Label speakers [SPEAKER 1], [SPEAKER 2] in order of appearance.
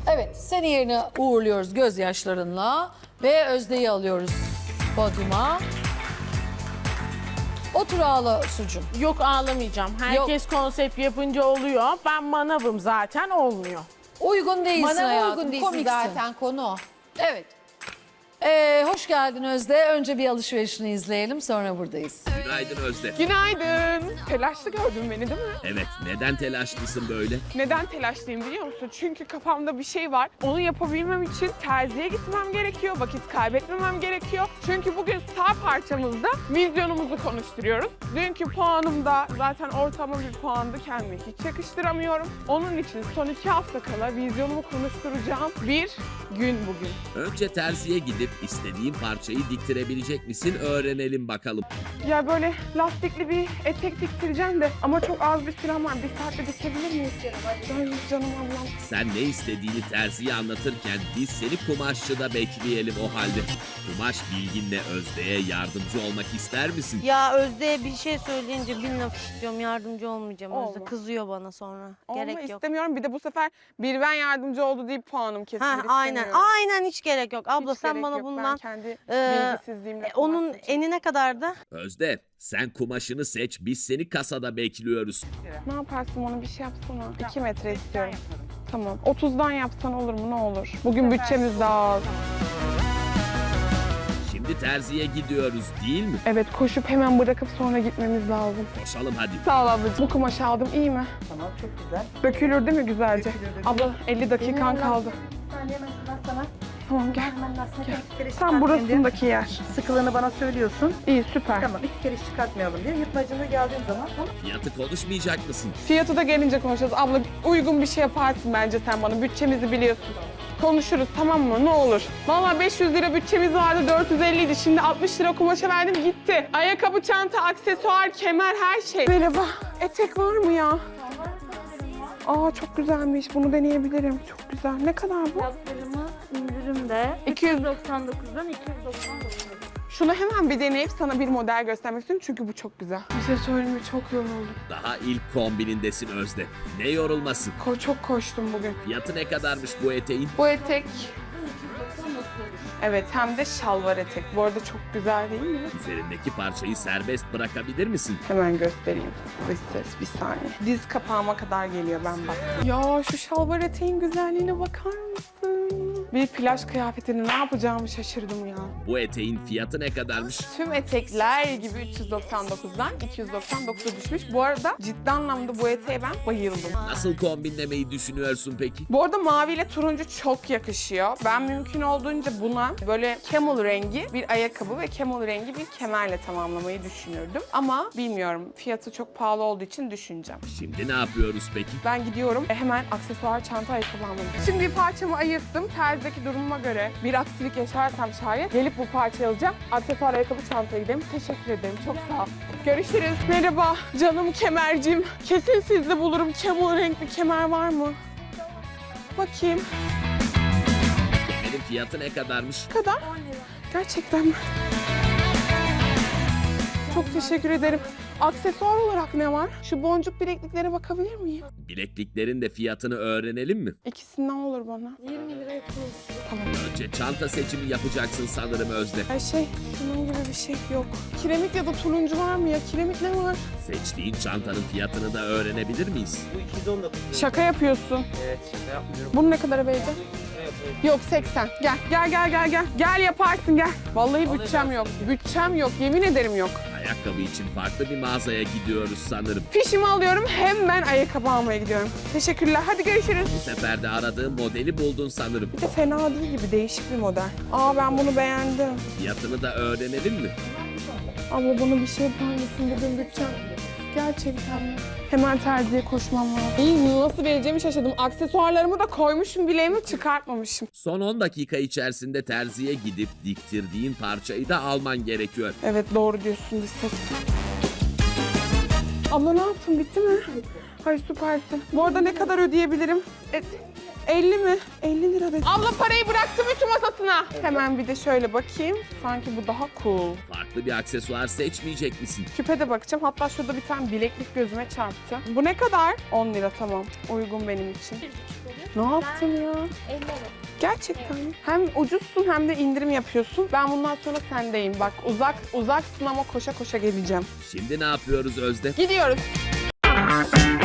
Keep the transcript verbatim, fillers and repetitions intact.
[SPEAKER 1] Evet, seni yerine uğurluyoruz gözyaşlarınla ve Özde'yi alıyoruz podyuma. Otur ağla sucum.
[SPEAKER 2] Yok ağlamayacağım. Herkes konsept yapınca oluyor. Ben manavım zaten olmuyor.
[SPEAKER 1] Uygun değilsin
[SPEAKER 3] Bana
[SPEAKER 1] hayatım,
[SPEAKER 3] uygun değilsin
[SPEAKER 1] komiksin.
[SPEAKER 3] zaten konu o.
[SPEAKER 1] Evet. Ee, hoş geldin Özde. Önce bir alışverişini izleyelim, sonra buradayız.
[SPEAKER 4] Günaydın Özde.
[SPEAKER 5] Günaydın. Telaşlı gördün beni değil mi?
[SPEAKER 4] Evet, neden telaşlısın böyle?
[SPEAKER 5] Neden telaşlıyım biliyor musun? Çünkü kafamda bir şey var. Onu yapabilmem için terziye gitmem gerekiyor. Vakit kaybetmemem gerekiyor. Çünkü bugün sağ parçamızda vizyonumuzu konuşturuyoruz. Dünkü puanımda zaten ortalama bir puandı. Kendime hiç yakıştıramıyorum. Onun için son iki hafta kala vizyonumu konuşturacağım bir gün bugün.
[SPEAKER 4] Önce terziye gidip istediğin parçayı diktirebilecek misin öğrenelim bakalım.
[SPEAKER 5] Ya böyle lastikli bir etek diktireceğim de ama çok az bir sürem var. Bir saatte dikebilir miyiz canım? Hadi. Ay canım ablam.
[SPEAKER 4] Sen ne istediğini terziye anlatırken biz seni kumaşçıda bekleyelim o halde. Kumaş bilginle Özde'ye yardımcı olmak ister misin?
[SPEAKER 6] Ya Özde'ye bir şey söyleyince bin laf istiyorum, yardımcı olmayacağım Özde.
[SPEAKER 5] Olma.
[SPEAKER 6] Kızıyor bana sonra.
[SPEAKER 5] Olma
[SPEAKER 6] Gerek yok.
[SPEAKER 5] istemiyorum. Bir de bu sefer bir ben yardımcı oldu deyip puanım kesilir
[SPEAKER 6] Ha, aynen,
[SPEAKER 5] istemiyorum.
[SPEAKER 6] aynen hiç gerek yok. Abla
[SPEAKER 5] Hiç
[SPEAKER 6] sen
[SPEAKER 5] gerek
[SPEAKER 6] bana
[SPEAKER 5] yok. Ben
[SPEAKER 6] bundan
[SPEAKER 5] kendi
[SPEAKER 6] e,
[SPEAKER 5] bilgisizliğimle
[SPEAKER 6] e, onun
[SPEAKER 5] kumaş seçeceğim.
[SPEAKER 6] enine kadardı.
[SPEAKER 4] Özde, sen kumaşını seç, biz seni kasada bekliyoruz.
[SPEAKER 5] Ne yaparsın onu bir şey yapsana. iki metre istiyorum. Tamam. otuzdan yapsan olur mu ne olur? Bugün bütçemiz daha az.
[SPEAKER 4] Şimdi terziye gidiyoruz değil mi?
[SPEAKER 5] Evet koşup hemen bırakıp sonra gitmemiz lazım.
[SPEAKER 4] Koşalım hadi.
[SPEAKER 5] Sağ ol ablacığım. Bu kumaşı aldım iyi mi?
[SPEAKER 7] Tamam çok güzel.
[SPEAKER 5] Dökülür değil mi güzelce? Abla elli dakikan kaldı.
[SPEAKER 7] Bir saniye hemen şuradan sana
[SPEAKER 5] Tamam gel.
[SPEAKER 7] hemen lastiğini
[SPEAKER 5] Gel.
[SPEAKER 7] iki kere
[SPEAKER 5] Tam
[SPEAKER 7] çıkartmayalım
[SPEAKER 5] burasındaki yer.
[SPEAKER 7] diye. Sıkılığını bana söylüyorsun.
[SPEAKER 5] İyi süper.
[SPEAKER 7] Tamam iki kere çıkartmayalım diye. Yırtmacını geldiğin zaman tamam.
[SPEAKER 4] Fiyatı konuşmayacak mısın?
[SPEAKER 5] Fiyatı da gelince konuşacağız. Abla uygun bir şey yaparsın bence sen bana. Bütçemizi biliyorsun. Konuşuruz tamam mı? Ne olur. Vallahi beş yüz lira bütçemiz vardı, dört yüz elli idi. Şimdi altmış lira kumaşa verdim gitti. Ayakkabı, çanta, aksesuar, kemer her şey. Merhaba. Etek var mı ya? Aa çok güzelmiş. Bunu deneyebilirim. Çok güzel. Ne kadar bu?
[SPEAKER 8] Fiyatlarımız indirimde
[SPEAKER 5] iki yüz
[SPEAKER 8] doksan dokuzdan iki yüz doksan dokuz.
[SPEAKER 5] Şunu hemen bir deneyip sana bir model göstermek istiyorum çünkü bu çok güzel. Bir şey söyleyeyim mi? Çok yoruldum.
[SPEAKER 4] Daha ilk kombinindesin Özde. Ne yorulması?
[SPEAKER 5] Ko çok koştum bugün.
[SPEAKER 4] Fiyatı ne kadarmış bu eteğin?
[SPEAKER 5] Bu etek... Evet hem de şalvar etek. Bu arada çok güzel değil mi?
[SPEAKER 4] Üzerindeki parçayı serbest bırakabilir misin?
[SPEAKER 5] Hemen göstereyim. Dış ses bir saniye. Diz kapağıma kadar geliyor ben bak. Ya şu şalvar eteğin güzelliğine bakar mısın? Bir plaj kıyafetini ne yapacağımı şaşırdım ya.
[SPEAKER 4] Bu eteğin fiyatı ne kadarmış?
[SPEAKER 5] Tüm etekler gibi üç yüz doksan dokuzdan iki yüz doksan dokuza düşmüş. Bu arada ciddi anlamda bu eteğe ben bayıldım.
[SPEAKER 4] Nasıl kombinlemeyi düşünüyorsun peki?
[SPEAKER 5] Bu arada maviyle turuncu çok yakışıyor. Ben mümkün olduğunca buna böyle camel rengi bir ayakkabı ve camel rengi bir kemerle tamamlamayı düşünürdüm. Ama bilmiyorum fiyatı çok pahalı olduğu için düşüneceğim.
[SPEAKER 4] Şimdi ne yapıyoruz peki?
[SPEAKER 5] Ben gidiyorum e, hemen aksesuar çanta ayakkabı almalıyım. Şimdi bir parçamı ayırttım. Terzideki durumuma göre bir aksilik yaşarsam şayet gelip bu parçayı alacağım. Aksesuar ayakkabı çantayı gidelim. Teşekkür ederim. Çok sağ ol. Görüşürüz. Merhaba canım kemercim. Kesin sizde bulurum. Camel renkli kemer var mı? Bakayım.
[SPEAKER 4] Kemerin fiyatı ne kadarmış?
[SPEAKER 5] Ne kadar? on lira. Gerçekten mi? Çok teşekkür ederim. Aksesuar olarak ne var? Şu boncuk bilekliklere bakabilir miyim?
[SPEAKER 4] Bilekliklerin de fiyatını öğrenelim mi?
[SPEAKER 5] İkisinden olur bana.
[SPEAKER 8] yirmi lira yapıyoruz.
[SPEAKER 5] Tamam.
[SPEAKER 4] Önce çanta seçimi yapacaksın sanırım Özde.
[SPEAKER 5] Her şey şunun gibi bir şey yok. Kiremit ya da turuncu var mı ya? Kiremit ne var?
[SPEAKER 4] Seçtiğin çantanın fiyatını da öğrenebilir miyiz?
[SPEAKER 9] Bu iki yüz on dokuz.
[SPEAKER 5] Şaka yapıyorsun.
[SPEAKER 9] Evet, şaka yapmıyorum.
[SPEAKER 5] Bunun ne kadar beydi?
[SPEAKER 9] Ne yapayım?
[SPEAKER 5] Yok seksen. Gel gel gel gel gel. Gel yaparsın gel. Vallahi bütçem yok. Bütçem yok. Yemin ederim yok.
[SPEAKER 4] Ayakkabı için farklı bir mağazaya gidiyoruz sanırım.
[SPEAKER 5] Fişimi alıyorum. Hemen ayakkabı almaya gidiyorum. Teşekkürler. Hadi görüşürüz.
[SPEAKER 4] Bu sefer de aradığın modeli buldun sanırım.
[SPEAKER 5] Bir de fena değil gibi değişik bir model. Aa ben bunu beğendim.
[SPEAKER 4] Fiyatını da öğrenelim mi?
[SPEAKER 5] Abla bana bir şey yapar mısın? Bugün bütçem gerçekten mi? Hemen terziye koşmam lazım. İyi nasıl vereceğimi şaşırdım. Aksesuarlarımı da koymuşum bileğimi çıkartmamışım.
[SPEAKER 4] Son on dakika içerisinde terziye gidip diktirdiğin parçayı da alman gerekiyor.
[SPEAKER 5] Evet doğru diyorsun Lisset. Abla ne yaptın bitti mi? Ay süpersin. Bu arada ne kadar ödeyebilirim? E, elli mi? elli lira dedim. Abla parayı bıraktım ütü masasına. Hemen bir de şöyle bakayım. Sanki bu daha cool.
[SPEAKER 4] Farklı bir aksesuar seçmeyecek misin?
[SPEAKER 5] Küpe de bakacağım. Hatta şurada bir tane bileklik gözüme çarptı. Bu ne kadar? on lira tamam. Uygun benim için. Ne yaptın ya?
[SPEAKER 8] ellerim.
[SPEAKER 5] Gerçekten mi? Hem ucuzsun hem de indirim yapıyorsun. Ben bundan sonra sendeyim. Bak uzak uzaksın ama koşa koşa geleceğim.
[SPEAKER 4] Şimdi ne yapıyoruz Özde?
[SPEAKER 5] Gidiyoruz.